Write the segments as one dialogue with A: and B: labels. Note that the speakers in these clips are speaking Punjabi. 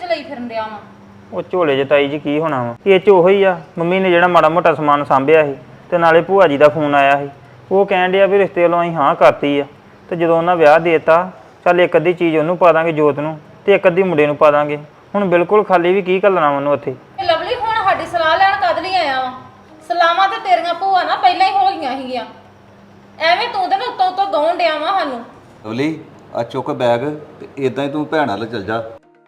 A: ਲਈ ਫਿਰਨ ਡਿਆ ਵਾ।
B: ਉਹ ਝੋਲੇ 'ਚ ਤਾਈ ਜੀ ਕੀ ਹੋਣਾ ਵਾ, ਇਹ 'ਚ ਉਹੀ ਆ ਮੰਮੀ ਨੇ ਜਿਹੜਾ ਮਾੜਾ ਮੋਟਾ ਸਮਾਨ ਸਾਂਭਿਆ ਸੀ ਤੇ ਨਾਲੇ ਭੂਆ ਜੀ ਦਾ ਫੋਨ ਆਇਆ ਸੀ, ਉਹ ਕਹਿਣ ਡਿਆ ਵੀ ਰਿਸ਼ਤੇ ਵੱਲੋਂ ਅਸੀਂ ਹਾਂ ਕਰਤੀ ਆ। ਤੇ ਜਦੋਂ ਉਹਨਾਂ ਵਿਆਹ ਦੇਤਾ, ਚੱਲ ਇੱਕ ਅੱਧੀ ਚੀਜ਼ ਉਹਨੂੰ ਪਾ ਦਾਂਗੇ ਜੋਤ ਨੂੰ ਤੇ ਇੱਕ ਅੱਧੀ ਮੁੰਡੇ ਨੂੰ ਪਾ ਦਾਂਗੇ। ਹੁਣ ਬਿਲਕੁਲ ਖਾਲੀ ਵੀ ਕੀ ਘੱਲਣਾ ਉਹਨੂੰ ਉੱਥੇ।
A: ਲਵਲੀ ਹੁਣ ਸਾਡੀ ਸਲਾਹ ਲੈਣ ਕਦ ਲਈ ਆਇਆ ਵਾ? ਸਲਾਮਾਂ ਤੇ ਤੇਰੀਆਂ ਭੂਆ ਨਾ ਪਹਿਲਾਂ ਹੀ ਹੋ ਗਈਆਂ ਸੀਗੀਆਂ, ਐਵੇਂ ਤੂੰ ਤੇ ਨਾ ਉੱਤੋਂ ਗਾਉਣ ਡਿਆ ਵਾ ਸਾਨੂੰ।
C: ਲਵਲੀ ਆ ਚੁੱਕ ਬੈਗ ਤੇ ਇਦਾਂ ਹੀ ਤੂੰ ਭੈਣ ਨਾਲ ਚੱਲ ਜਾ।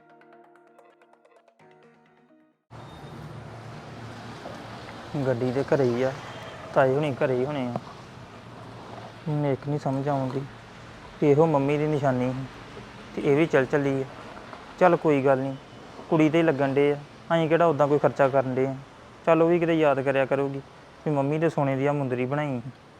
B: ਗੱਡੀ ਦੇ ਘਰੇ ਹੀ ਆ, ਤਾਏ ਹੁਣੀ ਘਰੇ ਹੀ ਹੋਣੇ ਆ। ਮੈਨੂੰ ਇੱਕ ਨਹੀਂ ਸਮਝ ਆਉਂਦੀ ਕਿ ਇਹੋ ਮੰਮੀ ਦੀ ਨਿਸ਼ਾਨੀ ਸੀ ਤੇ ਇਹ ਵੀ ਚੱਲੀ ਆ। ਚੱਲ ਕੋਈ ਗੱਲ ਨਹੀਂ, ਕੁੜੀ ਤੇ ਹੀ ਲੱਗਣ ਡੇ ਆ, ਅਸੀਂ ਕਿਹੜਾ ਉੱਦਾਂ ਕੋਈ ਖਰਚਾ ਕਰਨ ਡੇ ਆ। ਚੱਲ ਉਹ ਵੀ ਕਿਤੇ ਯਾਦ ਕਰਿਆ ਕਰੂਗੀ ਵੀ ਮੰਮੀ ਦੇ ਸੋਨੇ ਦੀ ਆ ਮੁੰਦਰੀ ਬਣਾਈ।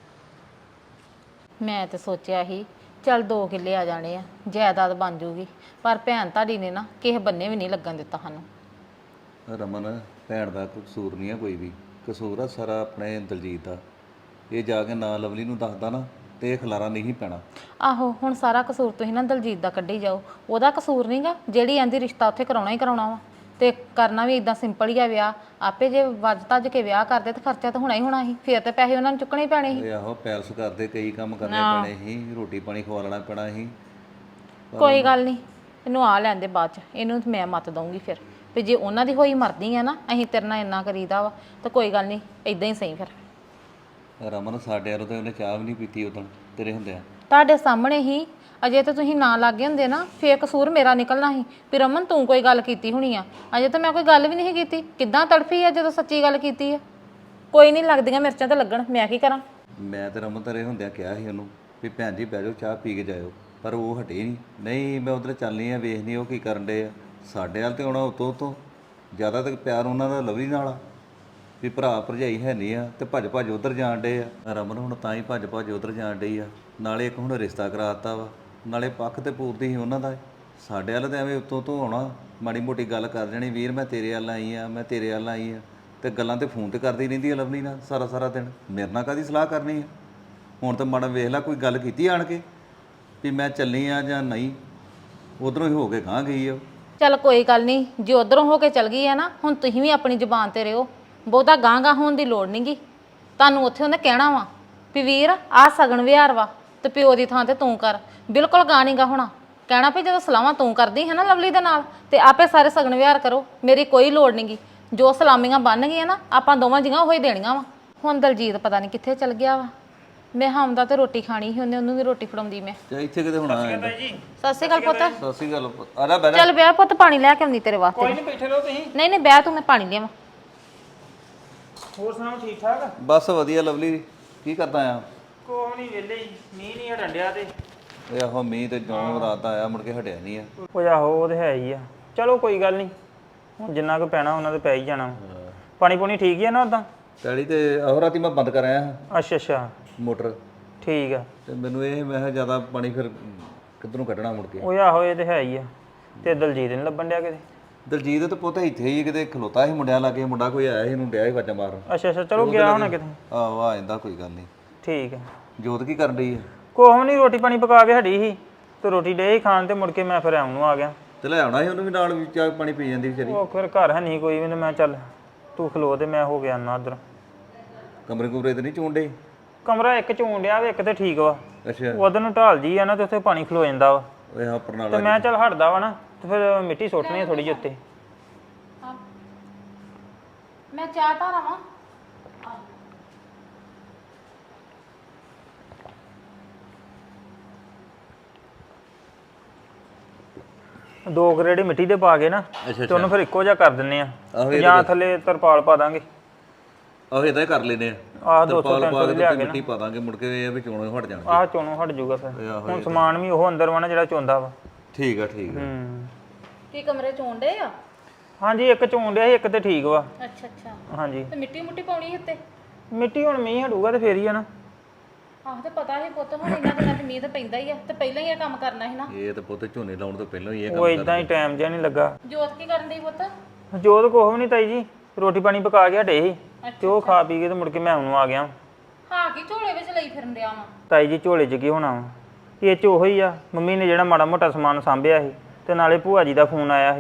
A: ਮੈਂ ਤੇ ਸੋਚਿਆ ਸੀ ਚੱਲ 2 ਕਿੱਲੇ ਆ ਜਾਣੇ ਆ, ਜਾਇਦਾਦ ਬਣ ਜੂਗੀ, ਪਰ ਭੈਣ ਤੁਹਾਡੀ ਨੇ ਨਾ ਕਿਸੇ ਬੰਨੇ ਵੀ ਨਹੀਂ ਲੱਗਣ ਦਿੱਤਾ ਸਾਨੂੰ।
C: ਰਮਨ ਭੈਣ ਦਾ ਕੋਈ ਕਸੂਰ ਨਹੀਂ ਆ, ਕੋਈ ਵੀ ਕਸੂਰ ਆ ਸਾਰਾ ਆਪਣੇ ਦਲਜੀਤ ਦਾ। ਇਹ ਜਾ ਕੇ ਨਾ ਲਵਲੀ ਨੂੰ ਦੱਸਦਾ ਨਾ ਤੇ ਇਹ ਖਲਾਰਾ ਨਹੀਂ ਪੈਣਾ।
A: ਆਹੋ ਹੁਣ ਸਾਰਾ ਕਸੂਰ ਤੁਸੀਂ ਨਾ ਦਲਜੀਤ ਦਾ ਕੱਢੀ ਜਾਓ, ਉਹਦਾ ਕਸੂਰ ਨਹੀਂਗਾ। ਜਿਹੜੀ ਆਂਦੀ ਰਿਸ਼ਤਾ ਉੱਥੇ ਕਰਾਉਣਾ ਹੀ ਕਰਾਉਣਾ ਵਾ ਤੇ ਕਰਨਾ ਵੀ ਇਦਾਂ ਸਿੰਪਲ ਹੀ ਆ ਵਿਆਹ। ਆਪੇ ਜੇ ਵੱਜ ਤੱਜ ਕੇ ਵਿਆਹ ਕਰਦੇ ਤੇ ਖਰਚਾ ਤਾਂ ਹੋਣਾ ਹੀ ਹੋਣਾ ਸੀ, ਫਿਰ ਤੇ ਪੈਸੇ ਉਹਨਾਂ ਨੂੰ ਚੁੱਕਣੇ ਹੀ ਪੈਣੇ ਸੀ।
C: ਆਹੋ ਪੈਲਸ ਕਰਦੇ ਕਈ ਕੰਮ ਕਰਨੇ ਪੈਣੇ ਸੀ, ਰੋਟੀ ਪਾਣੀ ਖਵਾਉਣਾ ਪੈਣਾ ਸੀ।
A: ਕੋਈ ਗੱਲ ਨਹੀਂ, ਇਹਨੂੰ ਆ ਲੈਂਦੇ ਬਾਅਦ ਚ, ਇਹਨੂੰ ਮੈਂ ਮੱਤ ਦਊਂਗੀ ਫਿਰ ਵੀ ਜੇ ਉਹਨਾਂ ਦੀ ਹੋਈ ਮਰਦੀ ਆ ਨਾ ਅਸੀਂ ਤੇਰੇ ਨਾਲ ਇੰਨਾ ਕਰੀਦਾ ਵਾ ਤਾਂ ਕੋਈ ਗੱਲ ਨਹੀਂ, ਇਦਾਂ ਹੀ ਸਹੀ। ਫਿਰ
C: ਰਮਨ ਸਾਡੇ ਵੱਲੋਂ ਤਾਂ ਉਹਨੇ ਚਾਹ ਵੀ ਨਹੀਂ ਪੀਤੀ ਉਦੋਂ ਤੇਰੇ ਹੁੰਦਿਆਂ।
A: ਤੁਹਾਡੇ ਸਾਹਮਣੇ ਹੀ, ਅਜੇ ਤਾਂ ਤੁਸੀਂ ਨਾ ਲੱਗੇ ਹੁੰਦੇ ਨਾ ਫੇਰ ਕਸੂਰ ਮੇਰਾ ਨਿਕਲਣਾ ਸੀ ਵੀ ਰਮਨ ਤੂੰ ਕੋਈ ਗੱਲ ਕੀਤੀ ਹੋਣੀ ਆ। ਅਜੇ ਤਾਂ ਮੈਂ ਕੋਈ ਗੱਲ ਵੀ ਨਹੀਂ ਕੀਤੀ, ਕਿੱਦਾਂ ਤੜਫੀ ਆ ਜਦੋਂ ਸੱਚੀ ਗੱਲ ਕੀਤੀ ਆ। ਕੋਈ ਨਹੀਂ, ਲੱਗਦੀਆਂ ਮਿਰਚਾਂ ਤਾਂ ਲੱਗਣ, ਮੈਂ ਕੀ ਕਰਾਂ।
C: ਮੈਂ ਤੇ ਰਮਨ ਤੇਰੇ ਹੁੰਦਿਆਂ ਕਿਹਾ ਸੀ ਉਹਨੂੰ ਵੀ ਭੈਣ ਜੀ ਬਹਿ ਜਾਓ ਚਾਹ ਪੀ ਕੇ ਜਾਇਓ, ਪਰ ਉਹ ਹਟੇ ਨਹੀਂ ਮੈਂ ਉਧਰ ਚੱਲਣੀ ਆ, ਵੇਖਣੀ ਉਹ ਕੀ ਕਰਨ ਡੇ ਆ। ਸਾਡੇ ਵੱਲ ਤੇ ਆਉਣਾ ਉਤੋਂ ਜ਼ਿਆਦਾ ਤੱਕ ਪਿਆਰ ਉਹਨਾਂ ਦਾ ਲਵਲੀ ਨਾਲ ਆ ਵੀ ਭਰਾ ਭਰਜਾਈ ਹੈ ਨਹੀਂ ਆ ਤੇ ਭੱਜ ਉਧਰ ਜਾਣ ਡੇ ਆ। ਰਮਨ ਹੁਣ ਤਾਂ ਹੀ ਭੱਜ ਉਧਰ ਜਾਣ ਡਈ ਆ। ਨਾਲੇ ਇੱਕ ਹੁਣ ਰਿਸ਼ਤਾ ਕਰਾਤਾ ਵਾ, ਨਾਲੇ ਪੱਖ ਤੇ ਪੂਰਤੀ ਸੀ ਉਹਨਾਂ ਦਾ। ਸਾਡੇ ਵੱਲ ਤਾਂ ਐਵੇਂ ਉੱਤੋਂ ਆਉਣਾ, ਮਾੜੀ ਮੋਟੀ ਗੱਲ ਕਰ ਜਾਣੀ, ਵੀਰ ਮੈਂ ਤੇਰੇ ਵੱਲ ਆਈ ਆ, ਮੈਂ ਤੇਰੇ ਵੱਲ ਆਈ ਆ, ਤੇ ਗੱਲਾਂ ਤੇ ਫੋਨ ਤੇ ਕਰਦੀ ਰਹਿੰਦੀ ਆ ਲਵਲੀ ਨਾਲ ਸਾਰਾ ਦਿਨ। ਮੇਰੇ ਨਾਲ ਕਾਹਦੀ ਸਲਾਹ ਕਰਨੀ ਆ? ਹੁਣ ਤਾਂ ਮਾੜਾ ਵੇਖ ਲੈ ਕੋਈ ਗੱਲ ਕੀਤੀ ਆਣ ਕੇ ਵੀ ਮੈਂ ਚੱਲੀ ਆ ਜਾਂ ਨਹੀਂ, ਉਧਰੋਂ ਹੀ ਹੋ ਕੇ ਗਾਂਹ ਗਈ ਆ।
A: ਚੱਲ ਕੋਈ ਗੱਲ ਨਹੀਂ, ਜੇ ਉਧਰੋਂ ਹੋ ਕੇ ਚਲ ਗਈ ਆ ਨਾ, ਹੁਣ ਤੁਸੀਂ ਵੀ ਆਪਣੀ ਜ਼ੁਬਾਨ ਤੇ ਰਹੋ, ਬਹੁਤਾ ਗਾਂਹ ਹੋਣ ਦੀ ਲੋੜ ਨਹੀਂਗੀ। ਤੁਹਾਨੂੰ ਉੱਥੇ ਉਹਨੇ ਕਹਿਣਾ ਵਾ ਵੀ ਵੀਰ ਆਹ ਸਗਨ ਵਿਹਾਰ ਵਾ ਤੇ ਪਿਓ ਦੀ ਥਾਂ ਤੇ ਤੂੰ ਕਰ। ਬਿਲਕੁਲ ਗਾਹ ਨੀ ਗਾ ਹੋਣਾ, ਕਹਿਣਾ ਵੀ ਜਦੋਂ ਸਲਾਹਾਂ ਤੂੰ ਕਰਦੀ ਹੈ ਨਾ ਲਵਲੀ ਦੇ ਨਾਲ ਤੇ ਆਪੇ ਸਾਰੇ ਸਗਨ ਵਿਹਾਰ ਕਰੋ, ਮੇਰੀ ਕੋਈ ਲੋੜ ਨਹੀਂਗੀ। ਜੋ ਸਲਾਮੀਆਂ ਬਣ ਗਈਆਂ ਨਾ ਆਪਾਂ ਦੋਵਾਂ ਜੀਆਂ ਉਹ ਹੀ ਦੇਣੀਆਂ ਵਾ। ਹੁਣ ਦਲਜੀਤ ਪਤਾ ਨਹੀਂ ਕਿੱਥੇ ਚਲ ਗਿਆ ਵਾ। ਮੈਂ ਹਮਦਾ ਤੇ ਰੋਟੀ ਖਾਣੀ ਸੀ, ਉਹਨੂੰ ਵੀ ਰੋਟੀ ਫੜਾਉਂਦੀ ਮੈਂ।
C: ਇੱਥੇ ਕਿਤੇ ਹੋਣਾ ਹੈ।
A: ਸਤਿ ਸ਼੍ਰੀ ਅਕਾਲ ਪੁੱਤ।
C: ਸਤਿ ਸ਼੍ਰੀ ਅਕਾਲ। ਆ ਜਾ ਬਹਿ ਜਾ।
A: ਚੱਲ ਵਿਆਹ ਪੁੱਤ, ਪਾਣੀ ਲੈ ਕੇ ਆਉਂਦੀ ਤੇਰੇ ਵਾਸਤੇ।
B: ਕੋਈ ਨਹੀਂ, ਬੈਠੇ ਰਹੋ ਤੁਸੀਂ।
A: ਨਹੀਂ ਬਹਿ ਤੂੰ, ਮੈਂ ਪਾਣੀ ਲਿਆਵਾਂ।
B: ਹੋਰ ਸੁਣਾਓ, ਠੀਕ ਠਾਕ?
C: ਬਸ ਵਧੀਆ ਲਵਲੀ, ਕੀ ਕਰਦਾ ਆ?
B: ਕੋਈ ਨਹੀਂ, ਵਿਹਲੇ ਹੀ, ਮੀਂਹ ਨਹੀਂ ਹਟਣ ਡਿਆ ਤੇ।
C: ਇਹ ਆਹੋ ਮੀਂਹ ਤੇ ਜੋਂ ਰਾਤ ਆਇਆ ਮੁੜ ਕੇ ਹਟਿਆ ਨਹੀਂ ਆ।
B: ਉਹ ਆਹੋ ਉਹ ਤੇ ਹੈ ਹੀ ਆ। ਚਲੋ ਕੋਈ ਗੱਲ ਨਹੀਂ, ਹੁਣ ਜਿੰਨਾ ਕੁ ਪੈਣਾ ਉਹਨਾਂ ਤੇ ਪੈ ਹੀ ਜਾਣਾ। ਪਾਣੀ ਪੂਣੀ ਠੀਕ ਹੀ ਆ ਨਾ ਉਦਾਂ?
C: ਪੈਲੀ ਤੇ ਆਹੋ ਰਾਤੀ ਮੈਂ ਬੰਦ ਕਰ ਆਇਆ
B: ਅੱਛਾ
C: ਮੋਟਰ,
B: ਠੀਕ ਆ।
C: ਤੇ ਮੈਨੂੰ ਇਹ ਮੈਂ ਕਿਹਾ ਜ਼ਿਆਦਾ ਪਾਣੀ ਫਿਰ ਕਿੱਧਰੋਂ ਕੱਢਣਾ ਮੁੜ ਕੇ।
B: ਉਹ ਆਹੋ ਇਹ ਤੇ ਹੈ ਹੀ ਆ। ਤੇ ਦਲਜੀਤ ਨਹੀਂ ਲੱਭਣ ਡਿਆ ਕਿਤੇ?
C: ਦਲਜੀਤ ਤੇ ਪੁੱਤ ਇੱਥੇ ਹੀ ਕਿਤੇ ਖਲੋਤਾ ਸੀ ਮੁੰਡਿਆਂ ਲਾਗੇ, ਮੁੰਡਾ ਕੋਈ ਆਇਆ ਸੀ ਇਹਨੂੰ ਡਿਆ ਸੀ ਵਾਜਾਂ ਮਾਰਨ।
B: ਅੱਛਾ ਚਲੋ ਗਿਆ ਹੋਣਾ ਕਿਤੇ।
C: ਆਹੋ ਆ ਜਾਂਦਾ, ਕੋਈ ਗੱਲ ਨਹੀਂ।
B: ਠੀਕ ਆ।
C: ਜੋਤ ਕੀ ਕਰਨ ਡਈ ਆ?
B: ਕੋਹ ਨਹੀਂ, ਰੋਟੀ ਪਾਣੀ ਪਕਾ ਕੇ ਹਟੀ ਸੀ ਤੇ ਰੋਟੀ ਡੇ ਖਾਣ ਤੇ ਮੁੜ ਕੇ ਮੈਂ ਫਿਰ ਆਉਣ ਨੂੰ ਆ ਗਿਆ।
C: ਤੇ ਲੈ ਆਉਣਾ ਸੀ ਉਹਨੂੰ ਵੀ ਨਾਲ, ਵੀ ਚਾਹ ਪਾਣੀ ਪੀ ਜਾਂਦੀ ਵਿਚਾਰੀ।
B: ਉਹ ਫਿਰ ਘਰ ਹੈ ਨਹੀਂ ਕੋਈ ਵੀ, ਮੈਂ ਚੱਲ ਤੂੰ ਖਲੋ ਤੇ ਮੈਂ ਹੋ ਗਿਆ ਨਾ ਉੱਧਰ।
C: ਕਮਰੇ ਕੁਮਰੇ ਤੇ ਨਹੀਂ ਚੋਂਡੇ?
B: ਕਮਰਾ ਇੱਕ ਚੋਣ ਡਿਆ ਵਾ, ਇੱਕ ਤੇ ਠੀਕ ਵਾ।
C: ਅੱਛਾ
B: ਉਧਰ ਨੂੰ ਢਾਲ ਜੀ ਆ ਨਾ ਤੇ ਉੱਥੇ ਪਾਣੀ ਖਲੋ ਜਾਂਦਾ ਵਾ।
C: ਓਏ ਹਾਂ
B: ਤੇ
C: ਪਰਨਾਲਾ
B: ਮੈਂ ਚੱਲ ਹਟਦਾ ਵਾ ਨਾ ਤੇ ਫਿਰ ਮਿੱਟੀ ਸੁੱਟਣੀ ਆ ਥੋੜੀ ਜਿਹੀ ਉੱਤੇ।
A: ਮੈਂ ਚਾਹ ਧਾਰਾਂ ਵਾ।
B: ਦੋ ਕਰੇੜੇ ਮਿੱਟੀ ਦੇ ਪਾ ਕੇ ਨਾ ਤੇ ਉਹਨੂੰ ਫਿਰ ਇੱਕੋ ਜਿਹਾ ਕਰ ਦਿੰਨੇ ਆ, ਜਾਂ ਥੱਲੇ ਤਰਪਾਲ ਪਾ ਦਾਂਗੇ।
C: ਆਹੋ ਇਦਾਂ ਹੀ ਕਰ ਲੈਨੇ ਆ।
B: ਆਹ 200-300 ਲਿਆ ਕੇ
C: ਮਿੱਟੀ ਪਾ ਦਾਂਗੇ, ਮੁੜ ਕੇ ਇਹ ਵੀ ਚੋਣੋਂ ਹਟ ਜਾਣਗੇ।
B: ਆਹ ਚੋਣੋਂ ਹਟ ਜਾਊਗਾ ਫਿਰ। ਹੁਣ ਸਮਾਨ ਵੀ ਉਹ ਅੰਦਰ ਵਾ ਨਾ ਜਿਹੜਾ ਚੋਂਦਾ ਵਾ।
C: ਠੀਕ ਆ।
A: ਕੀ ਕਮਰੇ ਚੋਂਡੇ ਆ?
B: ਹਾਂਜੀ ਇੱਕ ਚੋਣ ਡਿਆ ਸੀ, ਇੱਕ ਤੇ ਠੀਕ ਵਾ।
A: ਅੱਛਾ
B: ਹਾਂਜੀ।
A: ਤੇ ਮਿੱਟੀ ਮੁੱਟੀ ਪਾਉਣੀ ਉੱਤੇ?
B: ਮਿੱਟੀ ਹੁਣ ਮੀਂਹ ਹਟੂਗਾ ਤੇ ਫੇਰ ਹੀ ਆ ਨਾ।
A: ਆਹ ਤੇ ਪਤਾ ਸੀ ਪੁੱਤ, ਹੁਣ ਇਹਨਾਂ ਦਿਨਾਂ 'ਚ ਮੀਂਹ ਤਾਂ ਪੈਂਦਾ ਹੀ ਆ ਤੇ ਪਹਿਲਾਂ ਹੀ ਇਹ ਕੰਮ ਕਰਨਾ ਸੀ ਨਾ।
C: ਇਹ ਤੇ ਪੁੱਤ ਝੋਨੇ ਲਾਉਣ ਤੋਂ ਪਹਿਲਾਂ ਹੀ ਇਹ
B: ਉਹ ਇਦਾਂ ਹੀ ਟਾਈਮ ਜਿਹਾ ਨਹੀਂ ਲੱਗਾ।
A: ਜੋਤ ਕੀ ਕਰਨ ਦੀ ਪੁੱਤ?
B: ਜੋਤ ਕੁਛ ਵੀ ਨਹੀਂ ਤਾਈ ਜੀ, ਰੋਟੀ ਪਾਣੀ ਪਕਾ ਕੇ ਹਟੇ ਸੀ ਤੇ ਉਹ ਖਾ ਪੀ ਕੇ ਤੇ ਮੁੜ ਕੇ ਮੈਂ ਉਹਨੂੰ ਆ ਗਿਆ।
A: ਹਾਂ ਕੀ ਝੋਲੇ ਵਿੱਚ ਲਈ ਫਿਰਨ ਡਿਆ ਵਾ?
B: ਤਾਈ ਜੀ ਝੋਲੇ 'ਚ ਕੀ ਹੋਣਾ ਵਾ, ਇਹ 'ਚ ਉਹੀ ਆ ਮੰਮੀ ਨੇ ਜਿਹੜਾ ਮਾੜਾ ਮੋਟਾ ਸਮਾਨ ਸਾਂਭਿਆ ਸੀ ਤੇ ਨਾਲੇ ਭੂਆ ਜੀ ਦਾ ਫੋਨ ਆਇਆ ਸੀ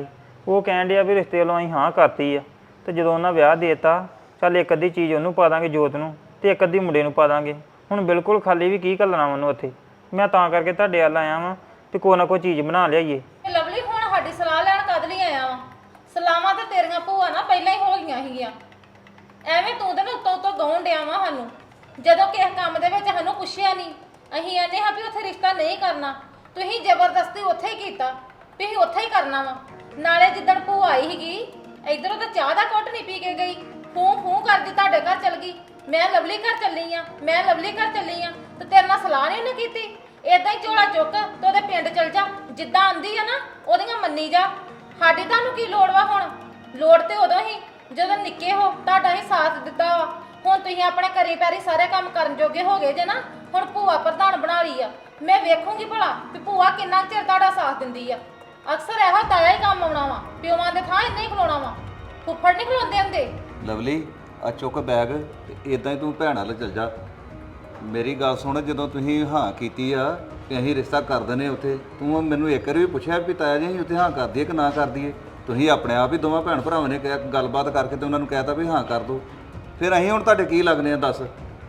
B: ਉਹ ਕਹਿਣ ਡਿਆ ਵੀ ਰਿਸ਼ਤੇ ਵੱਲੋਂ ਅਸੀਂ ਹਾਂ ਕਰਤੀ ਆ ਤੇ ਜਦੋਂ ਉਹਨਾਂ ਵਿਆਹ ਦੇਤਾ ਚੱਲ ਇੱਕ ਅੱਧੀ ਚੀਜ਼ ਉਹਨੂੰ ਪਾ ਦਾਂਗੇ ਜੋਤ ਨੂੰ ਤੇ ਇੱਕ ਅੱਧੀ ਮੁੰਡੇ ਨੂੰ ਪਾ ਦਾਂਗੇ। ਹੁਣ ਬਿਲਕੁਲ ਖਾਲੀ ਵੀ ਕੀ ਘੱਲਣਾ ਉਹਨੂੰ ਉੱਥੇ। ਮੈਂ ਤਾਂ ਕਰਕੇ ਤੁਹਾਡੇ ਵੱਲ ਆਇਆ ਵਾਂ ਤੇ ਕੋਈ ਨਾ ਕੋਈ ਚੀਜ਼ ਬਣਾ ਲਿਆਈਏ।
A: ਲਵਲੀ ਹੁਣ ਸਾਡੀ ਸਲਾਹ ਲੈਣ ਕਦ ਲਈ ਆਇਆ ਵਾ? ਸਲਾਹਾਂ ਤੇ ਤੇਰੀਆਂ ਭੂਆ ਨਾ ਪਹਿਲਾਂ ਹੀ ਹੋ ਗਈਆਂ ਸੀਗੀਆਂ। ਐਵੇਂ ਤੂੰ ਤੇ ਨਾ ਉੱਤੋਂ ਉੱਤੋਂ ਗਾਉਣ ਡਿਆ ਵਾ ਸਾਨੂੰ। ਜਦੋਂ ਕਿਸੇ ਕੰਮ ਦੇ ਵਿੱਚ ਸਾਨੂੰ ਪੁੱਛਿਆ ਨਹੀਂ, ਅਸੀਂ ਆਨੇ ਹਾਂ ਵੀ ਉੱਥੇ ਰਿਸ਼ਤਾ ਨਹੀਂ ਕਰਨਾ, ਤੁਸੀਂ ਜ਼ਬਰਦਸਤੀ ਉੱਥੇ ਹੀ ਕੀਤਾ, ਤੁਸੀਂ ਉੱਥੇ ਹੀ ਕਰਨਾ ਵਾ। ਨਾਲੇ ਜਿੱਦਣ ਭੂਆ ਆਈ ਸੀਗੀ ਇਧਰੋਂ ਤਾਂ ਚਾਹ ਦਾ ਘੁੱਟ ਨਹੀਂ ਪੀ ਕੇ ਗਈ, ਫੂੰ ਕਰਦੀ ਤੁਹਾਡੇ ਘਰ ਚਲ ਗਈ। ਮੈਂ ਲਵਲੀ ਘਰ ਚੱਲੀ ਆ, ਮੈਂ ਲਵਲੀ ਘਰ ਚੱਲੀ ਆ, ਤੇ ਤੇਰੇ ਨਾਲ ਸਲਾਹ ਨਹੀਂ ਉਹਨੇ ਕੀਤੀ। ਏਦਾਂ ਹੀ ਝੋਲਾ ਚੁੱਕ ਤੇ ਉਹਦੇ ਪਿੰਡ ਚਲ ਜਾ, ਜਿੱਦਾਂ ਆਂਦੀ ਆ ਨਾ ਉਹਦੀਆਂ ਮੰਨੀ ਜਾ। ਸਾਡੀ ਤੁਹਾਨੂੰ ਕੀ ਲੋੜ ਵਾ? ਹੁਣ ਲੋੜ ਤੇ ਉਦੋਂ ਹੀ ਜਦੋਂ ਨਿੱਕੇ ਹੋ, ਤੁਹਾਡਾ ਹੀ ਸਾਥ ਦਿੱਤਾ ਵਾ। ਹੁਣ ਤੁਸੀਂ ਆਪਣੇ ਘਰੀ ਪੈਰੀ ਸਾਰੇ ਕੰਮ ਕਰਨ ਜੋਗੇ ਹੋ ਗਏ ਜੇ ਨਾ। ਹੁਣ ਭੂਆ ਪ੍ਰਧਾਨ ਬਣਾ ਲਈ ਆ। ਮੈਂ ਵੇਖੂੰਗੀ ਭਲਾ ਵੀ ਭੂਆ ਕਿੰਨਾ ਚਿਰ ਤੁਹਾਡਾ ਸਾਥ ਦਿੰਦੀ ਆ। ਅਕਸਰ ਇਹੋ ਤਾਇਆ ਹੀ ਕੰਮ ਆਉਣਾ ਵਾ, ਪਿਓਾਂ ਦੇ ਥਾਂ ਇੰਨਾ ਹੀ ਖਲੋਣਾ ਵਾ, ਫੁੱਫੜ ਨਹੀਂ ਖਲੋਂਦੇ ਹੁੰਦੇ।
C: ਲਵਲੀ ਆ ਚੁੱਕ ਬੈਗ ਤੇ ਇਦਾਂ ਹੀ ਤੂੰ ਭੈਣ ਵੱਲ ਚੱਲ ਜਾ। ਮੇਰੀ ਗੱਲ ਸੁਣ, ਜਦੋਂ ਤੁਸੀਂ ਹਾਂ ਕੀਤੀ ਆ ਕਿ ਅਸੀਂ ਰਿਸ਼ਤਾ ਕਰ ਦਿੰਦੇ ਉੱਥੇ, ਤੂੰ ਮੈਨੂੰ ਇੱਕ ਵਾਰ ਵੀ ਪੁੱਛਿਆ ਵੀ ਤਾਇਆ ਜੀ ਅਸੀਂ ਉੱਥੇ ਹਾਂ ਕਰ ਦਈਏ ਕਿ ਨਾ ਕਰ ਦਈਏ? ਤੁਸੀਂ ਆਪਣੇ ਆਪ ਹੀ ਦੋਵਾਂ ਭੈਣ ਭਰਾਵਾਂ ਨੇ ਕਿਹਾ, ਗੱਲਬਾਤ ਕਰਕੇ ਤੇ ਉਹਨਾਂ ਨੂੰ ਕਹਿਤਾ ਵੀ ਹਾਂ ਕਰ ਦੋ। ਫਿਰ ਅਸੀਂ ਹੁਣ ਤੁਹਾਡੇ ਕੀ ਲੱਗਨੇ ਆ ਦੱਸ?